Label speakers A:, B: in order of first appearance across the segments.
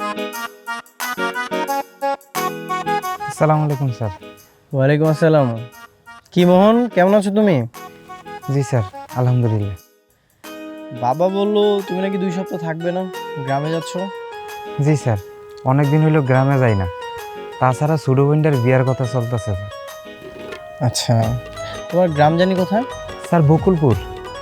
A: আসসালামু আলাইকুম স্যার।
B: ওয়ালাইকুম আসসালাম। কি মোহন, কেমন আছো তুমি?
A: জি স্যার, আলহামদুলিল্লাহ।
B: বাবা বললো তুমি নাকি 2 সপ্তাহ থাকবে না, গ্রামে যাচ্ছ।
A: জি স্যার, অনেক দিন হইলো গ্রামে যাই না। তাছাড়া ছোটো বোনটার বিয়ার কথা চলতেছে স্যার।
B: আচ্ছা, তোমার গ্রাম জানি কোথায়?
A: স্যার বকুলপুর।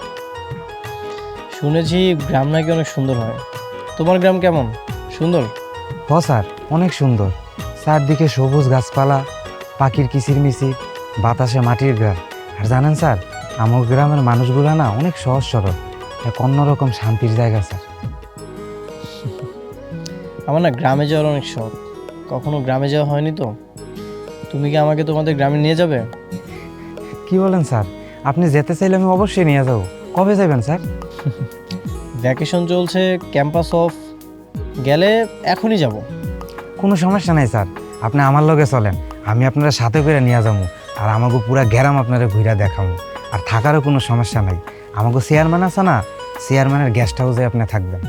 B: শুনেছি গ্রাম নাকি অনেক সুন্দর হয়। তোমার গ্রাম কেমন, সুন্দর?
A: হ স্যার, অনেক সুন্দর। চারদিকে সবুজ গাছপালা, পাখির কিচিরমিচির, বাতাসে মাটির গ্রাম। আর জানেন স্যার, আমার গ্রামের মানুষগুলা না অনেক সহজ সরল, এক অন্যরকম শান্তির জায়গা স্যার।
B: আমার না গ্রামে যাওয়ার অনেক শখ, কখনো গ্রামে যাওয়া হয়নি তো। তুমি কি আমাকে তোমাদের গ্রামে নিয়ে যাবে?
A: কি বলেন স্যার, আপনি যেতে চাইলে আমি অবশ্যই নিয়ে যাবো। কবে যাবেন স্যার?
B: ভ্যাকেশন চলছে, ক্যাম্পাস অফ, গেলে এখনই যাব।
A: কোনো সমস্যা নাই স্যার, আপনি আমার লগে চলেন, আমি আপনারা সাথে করে নিয়ে যাবো। আর আমাকে পুরা গ্রাম আপনারা ঘুরে দেখাবো। আর থাকারও কোনো সমস্যা নাই, আমাকে চেয়ারম্যান আছে না, চেয়ারম্যানের গেস্ট হাউসে আপনি থাকবেন।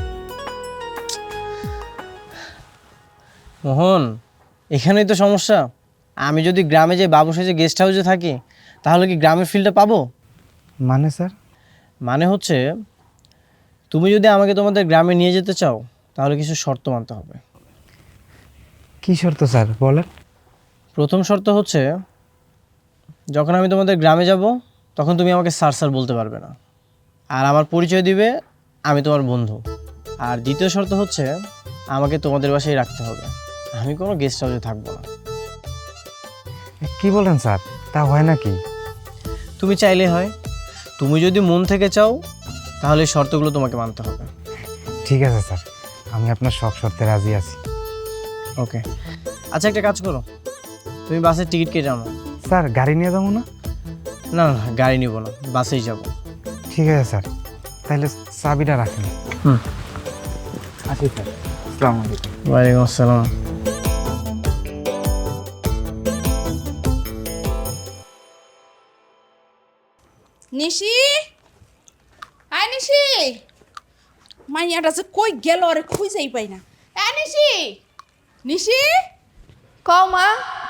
B: মোহন, এখানেই তো সমস্যা। আমি যদি গ্রামে যে বাবু সেজে গেস্ট হাউসে থাকি, তাহলে কি গ্রামের ফিলটা পাবো?
A: মানে স্যার?
B: মানে হচ্ছে, তুমি যদি আমাকে তোমাদের গ্রামে নিয়ে যেতে চাও, তাহলে কিছু শর্ত মানতে হবে।
A: কী শর্ত স্যার, বলেন।
B: প্রথম শর্ত হচ্ছে, যখন আমি তোমাদের গ্রামে যাব, তখন তুমি আমাকে স্যার স্যার বলতে পারবে না, আর আমার পরিচয় দিবে আমি তোমার বন্ধু। আর দ্বিতীয় শর্ত হচ্ছে, আমাকে তোমাদের বাসায় রাখতে হবে, আমি কোনো গেস্ট হাউসে থাকবো না।
A: কি বলেন স্যার, তা হয় নাকি?
B: তুমি চাইলে হয়, তুমি যদি মন থেকে চাও, তাহলে এই শর্তগুলো তোমাকে মানতে হবে।
A: ঠিক আছে স্যার, আমি আপনার সব শর্তে রাজি আছি।
B: ওকে, আচ্ছা একটা কাজ করো, তুমি বাসের টিকিট কেটে আনো।
A: স্যার গাড়ি নিয়ে যাবো না?
B: না না, গাড়ি নিব না, বাসেই যাব।
A: ঠিক আছে স্যার, তাহলে চাবিটা রাখেন। আসি স্যার, আসসালামু আলাইকুম।
B: ওয়ালাইকুম আসসালাম।
C: নিশি, আয় নিশি, মাইয়াটা যে কই গেল আরে খুঁজেই পাই না। নিশি, নিশি,
D: কও মা।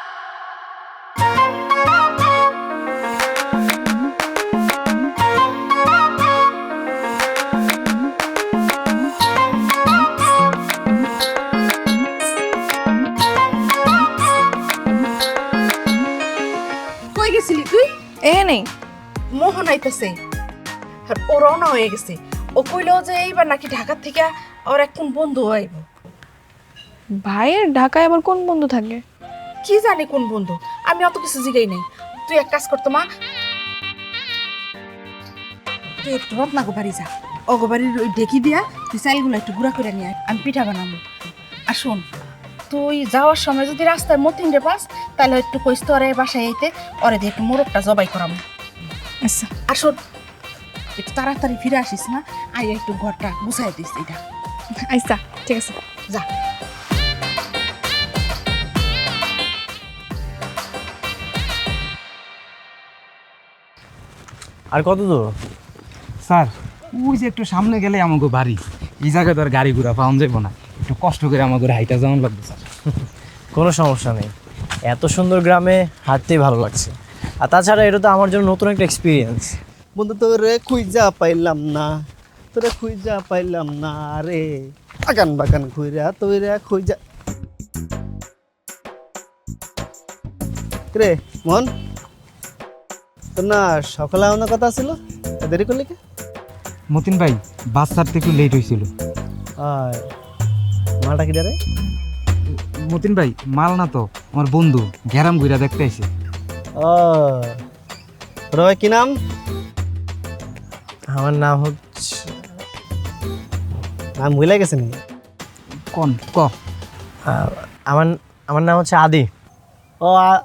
C: কই গেছিলি তুই?
D: এখানেই।
C: মোহন আইতেছে, আর ও রওনা হয়ে গেছে। ও কইলো যে এইবার নাকি ঢাকা থেকে ওর এক কোন বন্ধু আইব।
D: ভাইয়ের ঢাকায় আবার কোন বন্ধু থাকে?
C: কি জানি কোন বন্ধু, আমি অত কিছু জিগাই নাই। তুই এক কাজ করতো মা, তুই একটু রত্নাগো বাড়ি যা, অগো বাড়ির ওই ডেকি দিয়া তুই চাইলগুলো একটু গুঁড়া করে নিয়ে আয়, আমি পিঠা বানাবো। আর শোন, তুই যাওয়ার সময় যদি রাস্তায় মতিন রে পাস, তাহলে একটু কইস তো ওরে বাসায় আইতে, ওরে দিয়ে একটু মোরগটা জবাই করাবো।
D: আচ্ছা
C: আর শোন, একটু তাড়াতাড়ি ফিরে আসিস না, আই একটু ঘরটা গুছাই দিস এটা।
D: আচ্ছা, ঠিক আছে।
C: যা।
B: আর কত দূর?
A: স্যার ওই যে একটু সামনে গেলে আমাকে বাড়ি, এই জায়গায় তো আর গাড়ি ঘোড়া পাওয়া যাবো না, একটু কষ্ট করে আমাকে হাইটা যেমন লাগবে স্যার।
B: কোনো সমস্যা নেই, এত সুন্দর গ্রামে হাঁটতেই ভালো লাগছে। আর তাছাড়া এটা তো আমার জন্য নতুন একটা এক্সপিরিয়েন্স।
E: বন্ধু তোরে খুঁজা পাইলাম না, তোরে খুঁজা পাইলাম না রে, আগান বাগান ঘুরা তোরে খুঁজা। রে মন, তোর না সকালে আমার কথা ছিল, দেরি করলি কে?
A: মতিন ভাই, বাস ছাড়তে একটু লেট হয়েছিল।
E: আর মালটা কি রে?
A: মতিন ভাই মাল না তো, আমার বন্ধু গ্যারাম ঘুরা দেখতে আইছে।
E: ও রয়, কি নাম?
B: আমার নাম হচ্ছে,
E: নাম ভুলে গেছে নি?
A: কোন ক?
B: আমার আমার নাম হচ্ছে আদি।
E: ও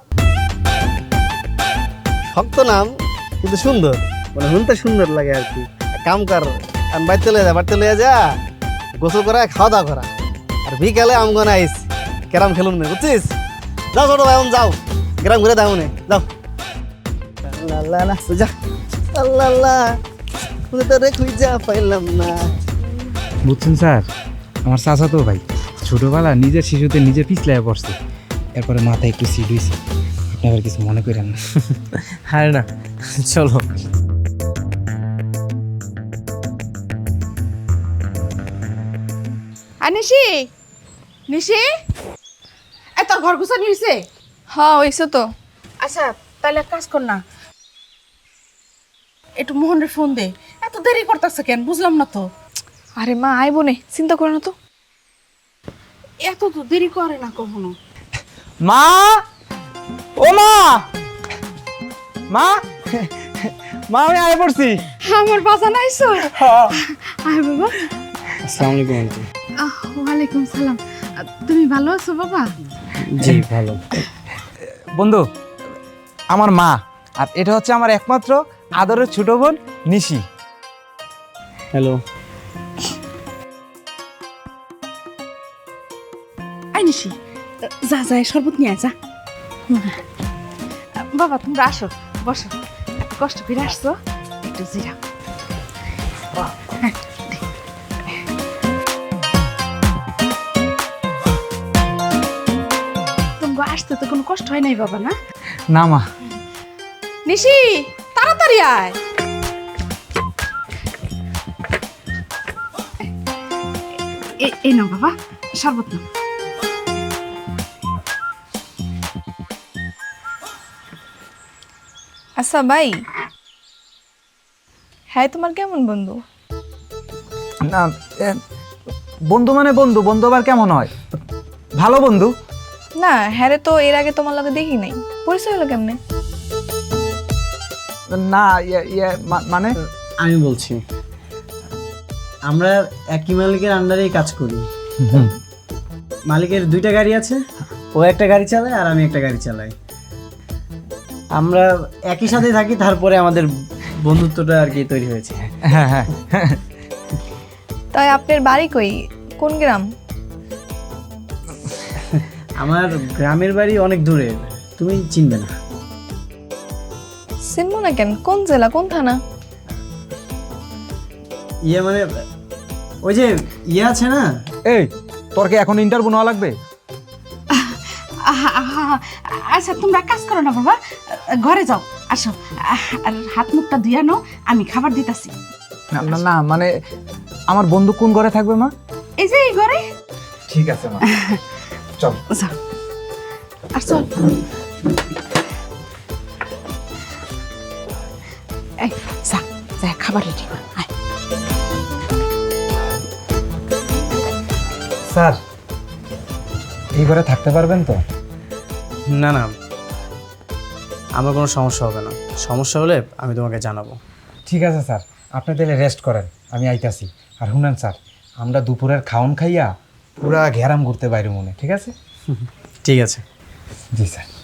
E: শক্ত নাম কিন্তু সুন্দর, মানে শুনতে সুন্দর লাগে আর কি। এক কাম কর, আমি বাড়িতে লয়ে যা, বাড়িতে লয়ে যা, গোসল করা, খাওয়া দাওয়া করা, আর বিকালে আমগন আইস ক্যারাম খেলুন না, বুঝছিস? যাও ছোট ভাই, যাও গ্রাম ঘুরে দাও নে, যাও। আল্লাহ আল্লাহ যা, আল্লাহ আল্লাহ তোরে খুঁজা পাইলাম না।
A: বুঝছেন স্যার, আমার চাচা তো ভাই, ছোটোবেলা নিজের শিশুতে নিজে পিছলায় পড়ছে, এরপরে মাথায় একটু সিট হয়েছে। আপনি আবার কিছু মনে করেন না।
B: হ্যাঁ না, চলো।
C: আর নিশি, নিশি, তোর ঘর গুছানি হয়েছে?
D: হ্যাঁ হইছে তো।
C: আচ্ছা তাহলে এক কাজ কর না, একটু মোহনের ফোন দে। এত দেরি করতেছে কেন বুঝলাম না তো।
D: আরে মা আইবো নে, চিন্তা করো না তো।
C: এত তো দেরি করে না কখনো।
A: মা, ও মা, মা, মা আমি আয় পড়ছি।
C: আমার বাসা নাইছো? আয় বাবা।
B: আসসালামু আলাইকুম আন্টি।
C: ওয়ালাইকুম সালাম। তুমি ভালো আছো বাবা?
B: জি ভালো।
A: বন্ধু, আমার মা, আর এটা হচ্ছে আমার একমাত্র আদরের ছোট বোন নিশি।
B: হ্যালো।
C: আই নিশি, যা যা শরবত নিয়ে আয়, যা। বাবা তোমরা আসো, বসো। এত কষ্ট করে আসছো, একটু জিরাও। তোমাকে আসতে তো কোনো কষ্ট হয় নাই বাবা, না?
A: না মা।
C: নিশি তাড়াতাড়ি আয়। এই নাও বাবা শরবত নাও।
D: আচ্ছা ভাই, হ্যাঁ তোমার কেমন বন্ধু?
A: না, বন্ধু মানে বন্ধু, বন্ধু আবার কেমন হয়? ভালো বন্ধু।
D: না হ্যাঁ তো এর আগে তোমার লগে দেখি নাই, পরিচয় হলো কেমনে?
A: না মানে
B: আমি বলছি, আমরা একই মালিকের আন্ডারেই কাজ করি। মালিকের 2টা গাড়ি আছে, ও একটা গাড়ি চালায় আর আমি একটা গাড়ি চালাই। আমরা একই সাথে থাকি, তারপরে আমাদের বন্ধুত্বটা আর কি তৈরি হয়েছে।
A: হ্যাঁ হ্যাঁ।
D: তাই আপনার বাড়ি কই, কোন গ্রাম?
B: আমার গ্রামের বাড়ি অনেক দূরে, তুমি চিনবে না।
D: চিনবো না কেন, কোন জেলা কোন থানা?
B: ইয়ে মানে ওই যে ইয়ে আছে না।
A: এই, তোর কি এখন ইন্টারভিউ নেওয়া লাগবে?
C: আচ্ছা তোমরা কাজ করো না বাবা, ঘরে যাও। আসো, আর হাত মুখটা ধুয়ে নাও, আমি খাবার দিতেছি।
A: না না না, মানে আমার বন্ধু কোন ঘরে থাকবে মা?
C: এই যে এই ঘরে।
A: ঠিক আছে মা, চল।
C: যাও আর চল। এই যা যা খাবার রেডি কর। আয়।
A: স্যার, এই ঘরে থাকতে পারবেন তো?
B: না না, আমার কোনো সমস্যা হবে না। সমস্যা হলে আমি তোমাকে জানাবো।
A: ঠিক আছে স্যার, আপনি তাহলে রেস্ট করেন, আমি আইতাছি। আর শুনেন স্যার, আমরা দুপুরের খাওন খাইয়া পুরা ঘেরাম ঘুরতে বাইরে মনে, ঠিক আছে?
B: ঠিক আছে।
A: জি স্যার।